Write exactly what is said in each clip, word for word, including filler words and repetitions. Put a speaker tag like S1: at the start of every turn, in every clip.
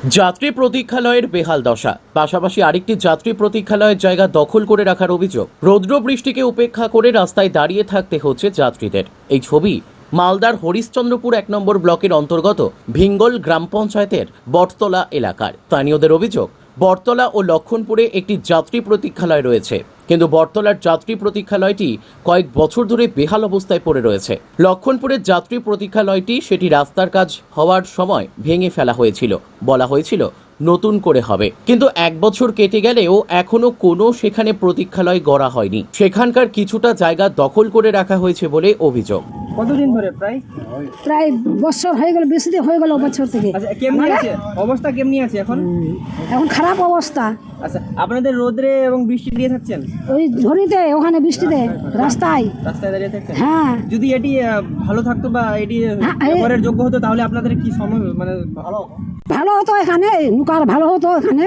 S1: যাত্রী প্রতীক্ষালয়ের বেহাল দশা, পাশাপাশি আরেকটি যাত্রী প্রতীক্ষালয়ের জায়গা দখল করে রাখার অভিযোগ। রৌদ্র বৃষ্টিকে উপেক্ষা করে রাস্তায় দাঁড়িয়ে থাকতে হচ্ছে যাত্রীদের। এই ছবি মালদার হরিশ্চন্দ্রপুর এক নম্বর ব্লকের অন্তর্গত ভিঙ্গল গ্রাম পঞ্চায়েতের বটতলা এলাকার। স্থানীয়দের অভিযোগ, বটতলা ও লক্ষণপুরে একটি যাত্রী প্রতীক্ষালয় রয়েছে, কিন্তু বটতলার যাত্রী প্রতীক্ষালয়টি কয়েক বছর ধরে বেহাল অবস্থায় পড়ে রয়েছে। লক্ষণপুরের যাত্রী প্রতীক্ষালয়টি সেটি রাস্তার কাজ হওয়ার সময় ভেঙে ফেলা হয়েছিল, বলা হয়েছিল নতুন করে হবে, কিন্তু এক বছর কেটে গেলেও এখনো কোনো সেখানে প্রতীক্ষালয় গড়া হয়নি। সেখানকার কিছুটা জায়গা দখল করে রাখা হয়েছে বলে অভিযোগ।
S2: কতদিন ধরে? প্রায়
S3: প্রায় বছর হয়ে গেল, বেশি দিন হয়ে গেল বছর থেকে।
S2: আচ্ছা, কেমনি আছে অবস্থা? কেমনি আছে এখন?
S3: এখন খারাপ অবস্থা।
S2: আচ্ছা, আপনাদের রোদরে এবং বৃষ্টি দিয়ে থাকছেন?
S3: ওই ঝড়িতে, ওখানে বৃষ্টিতে, রাস্তায়
S2: রাস্তায় দাঁড়িয়ে থাকছেন?
S3: হ্যাঁ।
S2: যদি এটি আহ, ভালো থাকতো বা এটি
S3: হ্যাঁ, এই-
S2: ব্যবহারের যোগ্য হতো তাহলে আপনাদের কি সময় মানে ভালো
S3: ভালো হতো এখানে, নুকার ভালো হতো এখানে।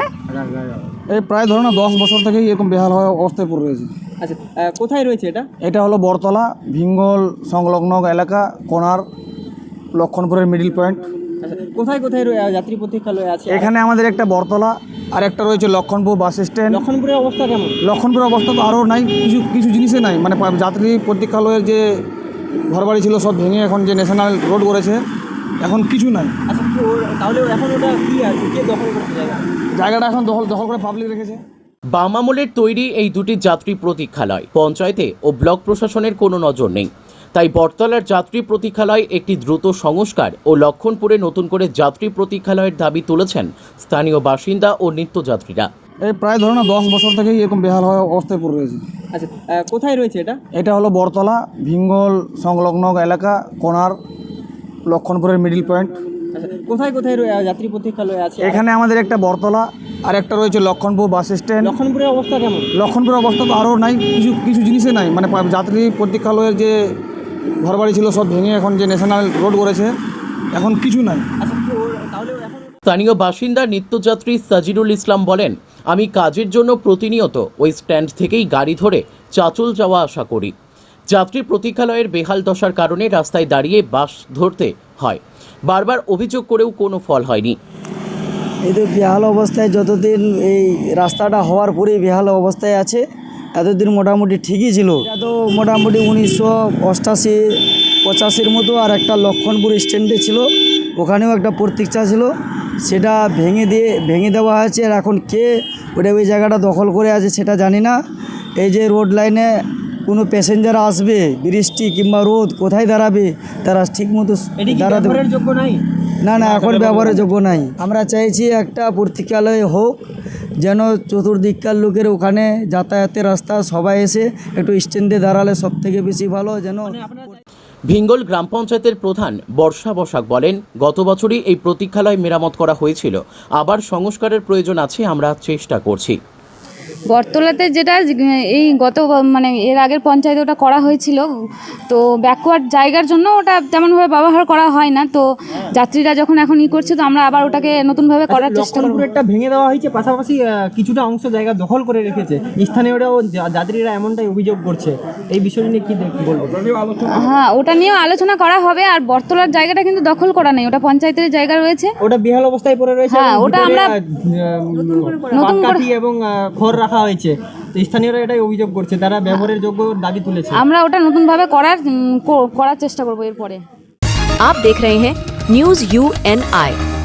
S4: এই প্রায় ধরো না দশ বছর থেকেই এরকম বেহাল হওয়া অবস্থায় পড়ে রয়েছে।
S2: আচ্ছা, আহ, কোথায় রয়েছে এটা?
S4: এটা হলো বটতলা, ভিঙ্গল সংলগ্ন এলাকা, কোনার, লক্ষণপুরের মিডিল পয়েন্ট।
S2: আচ্ছা, কোথায় কোথায় রয়ে- যাত্রী প্রতীক্ষালয় আছে?
S4: এখানে আমাদের একটা বটতলা আর একটা রয়েছে লক্ষণপুর বাস স্ট্যান্ড।
S2: লক্ষণপুরের অবস্থা কেমন?
S4: লক্ষণপুরের অবস্থা তো আরও নাই, কিছু কিছু জিনিসে নাই, মানে পা- যাত্রী প্রতীক্ষালয়ের যে ঘরবাড়ি ছিল সব ভেঙে এখন যে ন্যাশনাল রোড করেছে, এখন কিছু নাই।
S2: আচ্ছা, কি ওর- তাহলে এখন ওটা কি আছে? কে দখল করছে জায়গা?
S4: জায়গাটা এখন দখল দখল করে পাবলিক রেখেছে।
S1: বাম আমলের তৈরি এই দুটি যাত্রী প্রতীক্ষালয় পঞ্চায়েতে ও ব্লক প্রশাসনের কোনো নজর নেই। তাই বটতলার যাত্রী প্রতীক্ষালয় একটি দ্রুত সংস্কার ও লক্ষণপুরে নতুন করে যাত্রী প্রতীক্ষালয়ের দাবি তুলেছেন স্থানীয় বাসিন্দা ও নিত্যযাত্রীরা।
S4: এই প্রায় ধরো না দশ বছর থেকেই এরকম বেহাল হওয়া অবস্থায় পড়ে রয়েছে।
S2: আচ্ছা, আহ, কোথায় রয়েছে এটা?
S4: এটা হলো বটতলা, ভিঙ্গল সংলগ্ন এলাকা, কোনার, লক্ষণপুরের মিডিল পয়েন্ট।
S2: আচ্ছা, কোথায় কোথায় রয়ে- যাত্রী প্রতীক্ষালয় আছে?
S4: এখানে আমাদের একটা বটতলা আর একটা রয়েছে লক্ষণপুর বাস স্ট্যান্ড।
S2: লক্ষণপুরের অবস্থা কেমন?
S4: লক্ষণপুরের অবস্থা তো আরও নাই, কিছু কিছু জিনিসে নাই, মানে পা- যাত্রী প্রতীক্ষালয়ের যে ঘরবাড়ি ছিল সব ভেঙে এখন যে ন্যাশনাল রোড করেছে, এখন কিছু নাই।
S2: আচ্ছা, কি ওর- তাহলে এখন
S1: স্থানীয় বাসিন্দা নিত্যযাত্রী সাজিরুল ইসলাম বলেন, আমি কাজের জন্য প্রতিনিয়ত ওই স্ট্যান্ড থেকেই গাড়ি ধরে চাচল যাওয়া আসা করি। যাত্রী প্রতীক্ষালয়ের বেহাল দশার কারণে রাস্তায় দাঁড়িয়ে বাস ধরতে হয়। বারবার অভিযোগ করেও কোনো ফল হয়নি।
S5: এই তো বেহাল অবস্থায়, যতদিন এই রাস্তাটা হওয়ার পরেই বেহাল অবস্থায় আছে, এতদিন মোটামুটি ঠিকই ছিল। এটা তো মোটামুটি উনিশশো অষ্টাশি পঁচাশির মতো আর একটা লক্ষণপুর স্ট্যান্ডে ছিল, ওখানেও একটা প্রতীক্ষা ছিল, সেটা ভেঙে দিয়ে ভেঙে দেওয়া হয়েছে। আর এখন কে ওটা ওই জায়গাটা দখল করে আছে সেটা জানি না। এই যে রোড লাইনে কোনো প্যাসেঞ্জার আসবে, বৃষ্টি কিংবা রোদ, কোথায় দাঁড়াবে তারা ঠিক মতো
S2: এটি কি
S5: দাঁড়াতে
S2: ব্যবহারের যোগ্য নাই?
S5: না না এখন ব্যবহারের যোগ্য নাই। আমরা চাইছি একটা প্রতীক্ষালয় হোক, যেন চতুর্দিককার লোকের ওখানে যাতায়াতের রাস্তা সবাই এসে একটু স্ট্যান্ডে দাঁড়ালে সব থেকে বেশি ভালো। যেন
S1: ভিঙ্গল গ্রাম পঞ্চায়েতের প্রধান বর্ষা বসাক বলেন, গত বছরই এই প্রতীক্ষালয় মেরামত করা হয়েছিল, আবার সংস্কারের প্রয়োজন আছে, আমরা চেষ্টা করছি।
S6: বটতলাতে যেটা এই গত মানে এর আগের পঞ্চায়েতে ওটা করা হয়েছিল, তো ব্যাকওয়ার্ড জায়গার জন্য ওটা তেমনভাবে ব্যবহার করা হয় না। তো যাত্রীরা যখন এখন ই করছে, তো আমরা আবার ওটাকে নতুনভাবে করার চেষ্টা করব।
S2: লক্ষণপুরেরটা ভেঙে দেওয়া হয়েছে, পাশাপাশি আহ, কিছুটা অংশ জায়গা দখল করে রেখেছে। স্থানীয়রাও যা- যাত্রীরা এমনটাই অভিযোগ করছে। এই বিষয় নিয়ে কি দেখ- বলবো?
S6: হ্যাঁ, ওটা নিয়েও আলোচনা করা হবে। আর বটতলার জায়গাটা কিন্তু দখল করা নেই, ওটা পঞ্চায়েতের জায়গা রয়েছে।
S2: ওটা বেহাল অবস্থায় পড়ে রয়েছে।
S6: হ্যাঁ,
S2: এবং
S6: ওটা
S2: ভিতরে,
S6: আমরা
S2: আহ,
S6: নতুন করে-
S2: পাটকাঠি এবং আহ, খড় রাখা হয়েছে। তো স্থানীয়রা এটাই অভিযোগ করছে, তারা ব্যবহারের যোগ্য দাবি তুলেছে।
S6: আমরা ওটা নতুনভাবে করার উম, কো- করার চেষ্টা করবো এরপরে।
S7: आप देख रहे हैं न्यूज यू एन आई।